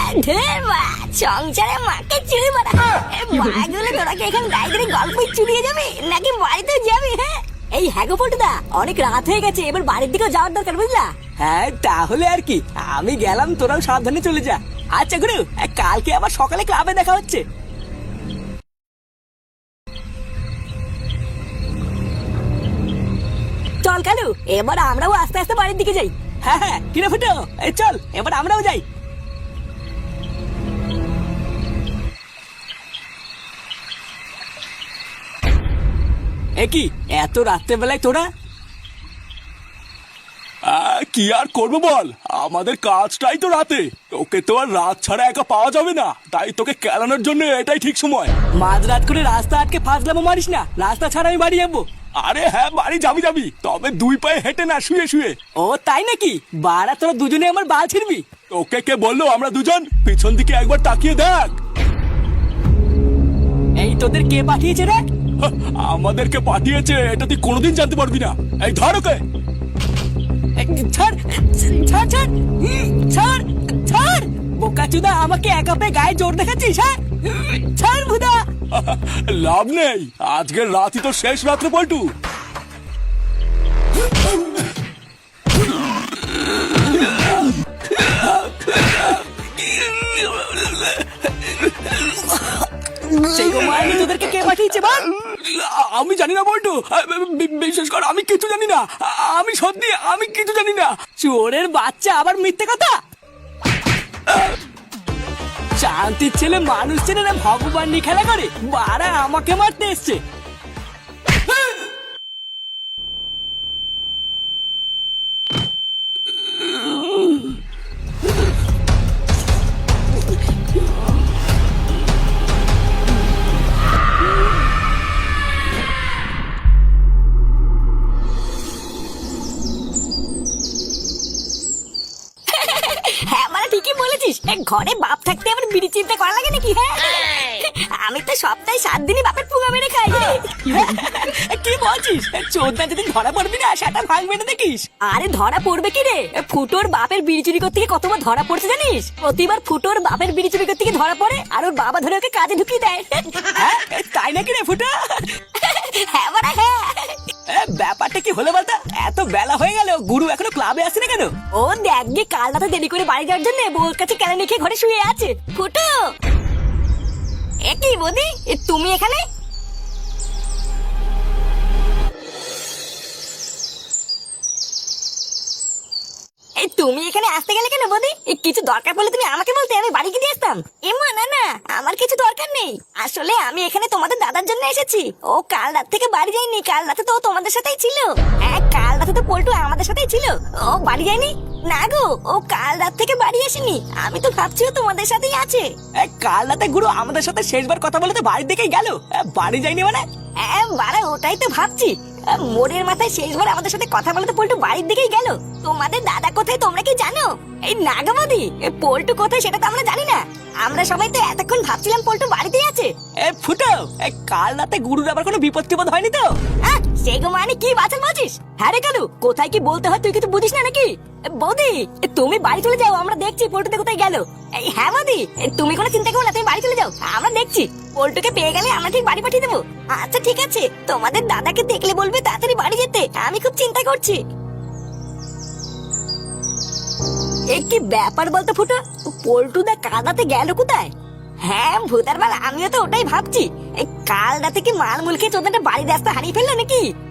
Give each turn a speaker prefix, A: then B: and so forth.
A: ঢের মা, সংসারে মাকে চুরি মারা মাগুলো তোরা কি এখানে দাঁড়িয়ে গল্পই চুরিয়ে যাবে নাকি বাড়িতে যাবি? হ্যাঁ এই হ্যাগো পল্টুদা, অনেক রাত হয়ে গেছে, এবার বাড়ির দিকেও যাওয়ার দরকার, বুঝলা?
B: হ্যাঁ তাহলে আর কি, আমি গেলাম, তোরাও সাবধানে চলে যা। আচ্ছা গুরু, কালকে আবার সকালে ক্লাবে দেখা হচ্ছে।
A: চল কালু, এবার আমরাও আস্তে আস্তে বাড়ির দিকে যাই।
B: হ্যাঁ হ্যাঁ, কিরে ফুটো, এই চল এবার আমরাও যাই। কি এত রাত্রেবেলায় তোরা?
C: কি আর করবো বল, আমাদের কাজটাই তো রাতে, তোকে তো আর রাত ছাড়া একা পাওয়া যাবে না, তাই তোকে কেলানোর জন্য এটাই ঠিক সময়।
B: মাঝরাত করে রাস্তা আটকে ফাঁসলামো মারিস না, রাস্তা ছাড়া আমি বাড়ি যাবো।
C: আরে হ্যাঁ, বাড়ি যাবি, তবে 2 পায়ে হেঁটে না, শুয়ে শুয়ে।
B: ও তাই নাকি? বাড়া তোরা দুজনে আমার বাল ছিড়বি।
C: তোকে কে বললো আমরা দুজন? পিছন দিকে একবার তাকিয়ে দেখ।
B: এই তোদের কে পাঠিয়েছে রে?
C: আমাদেরকে পাঠিয়েছে এটা তুই কোনোদিন জানতে পারবি না। এই ধর ওকে।
B: ছাড় ছাড় ছাড় ছাড় ছাড়, বোকাচুদা আমাকে একা পেয়ে গায়ে জোর দেখাচ্ছিস? হ্যাঁ ছাড় ভুদা।
C: লাভ নেই, আজকের রাতই তো শেষ রাত্রে পল্টু।
B: সেই মাইনে তোদেরকে কে পাঠিয়েছে বল?
C: আমি জানি না বল্টু, বিশেষ করে আমি কিছু জানি না, আমি সত্যি আমি কিছু জানি না।
B: চোরের বাচ্চা আবার মিথ্যে কথা। শান্তির ছেলে মানুষ ছেলে না ভগবান নিয়ে খেলা করে, বাড়া আমাকে মারতে এসছে।
A: হ্যাঁ মানে ঠিকই বলেছিস, ঘরে বাপ থাকতে আবার বিড়ি চিন্তা করা লাগে নাকি? হ্যাঁ আমি তো সপ্তাহে 7 দিনই বাপের পুঙ্গা মেরে খাই।
B: কি বলছিস? চোদ্দা যদি ধরা পড়বি না, সেটা ভাঙবে না দেখিস।
A: আরে ধরা পড়বে কি রে, ফুটোর বাপের বিড়ি চুরি করতে গিয়ে কতবার ধরা পড়ছে জানিস? প্রতিবার ফুটোর বাপের বিড়ি চুরি করতে গিয়ে ধরা পড়ে, আর ওর বাবা ধরে ওকে কাজে ঢুকিয়ে দেয়।
B: হ্যাঁ তাই নাকি রে ফুটা?
A: হ্যাঁ মানে হ্যাঁ।
B: ব্যাপারটা কি হলো বলতো? এত বেলা হয়ে গেল, গুরু এখনো ক্লাবে আসে না কেন?
A: ও দেখ গে, কাল রাতে দেরি করে বাড়ি যাওয়ার জন্য বউর কাছে কেন খেয়ে ঘরে শুয়ে আছে। ফুটো, এ কি বৌদি, তুমি এখানে? এই তুমি এখানে আসতে গেলে কেন বৌদি? কিছু দরকার পড়লে তুমি আমাকে বলতে, আমি বাড়ি গিয়ে আসতাম। এমা না না, আমার কিছু দরকার নেই, আসলে আমি এখানে তোমাদের দাদার জন্য এসেছি। ও কাল রাত থেকে বাড়ি যায়নি, কাল রাতে তো ও তোমাদের সাথেই ছিল। হ্যাঁ কাল রাতে তো পল্টু আমাদের সাথেই ছিল, ও বাড়ি যায়নি। না গো, ও কাল রাত থেকে বাড়ি আসেনি, আমি তো ভাবছি ও তোমাদের সাথেই আছে।
B: কাল রাতে গুরু আমাদের সাথে শেষবার কথা বলে তো বাড়ির দিকেই গেল, বাড়ি যায়নি মানে?
A: হ্যাঁ বাড়া, ওটাই তো ভাবছি, মোড়ের মাথায় শেষবার আমাদের সাথে কথা বলে তো পল্টু বাড়ির দিকেই গেল। তোমাদের দাদা কোথায় তোমরা কি জানো? এই নাগাবাদি পল্টু কোথায় সেটা তো আমরা জানি না, আমরা সবাই তো এতক্ষণ ভাবছিলাম পল্টু বাড়িতেই আছে।
B: ফুটো, কাল রাতে গুরুর আবার কোনো বিপদ টিপদ হয়নি তো?
A: সেগো মানে কি বাঁচাল বলছিস? হ্যাঁ রে কালু, কোথায় কি বলতে হয় তুই কিছু বুঝিস না নাকি? বৌদি তুমি বাড়ি চলে যাও, আমরা দেখছি পল্টুতে কোথায় গেল। এই হ্যাঁ বৌদি, তুমি কোনো চিন্তা করো না, তুমি বাড়ি চলে যাও, আমরা দেখছি। পল্টুকে পেয়ে গেলে আমরা ঠিক বাড়ি পাঠিয়ে দেবো। আচ্ছা ঠিক আছে, তোমাদের দাদাকে দেখলে বলবে তাড়াতাড়ি বাড়ি যেতে, আমি খুব চিন্তা করছি। এই কি ব্যাপার বলতো ফুটো, পল্টুদা কাল রাতে গেল কোথায়? হ্যাঁ ভূতার বাল, আমিও তো ওটাই ভাবছি, এই কাল রাতে কি মাল মুল খেয়ে চোদ্দাটা বাড়ির রাস্তা হারিয়ে ফেললো নাকি?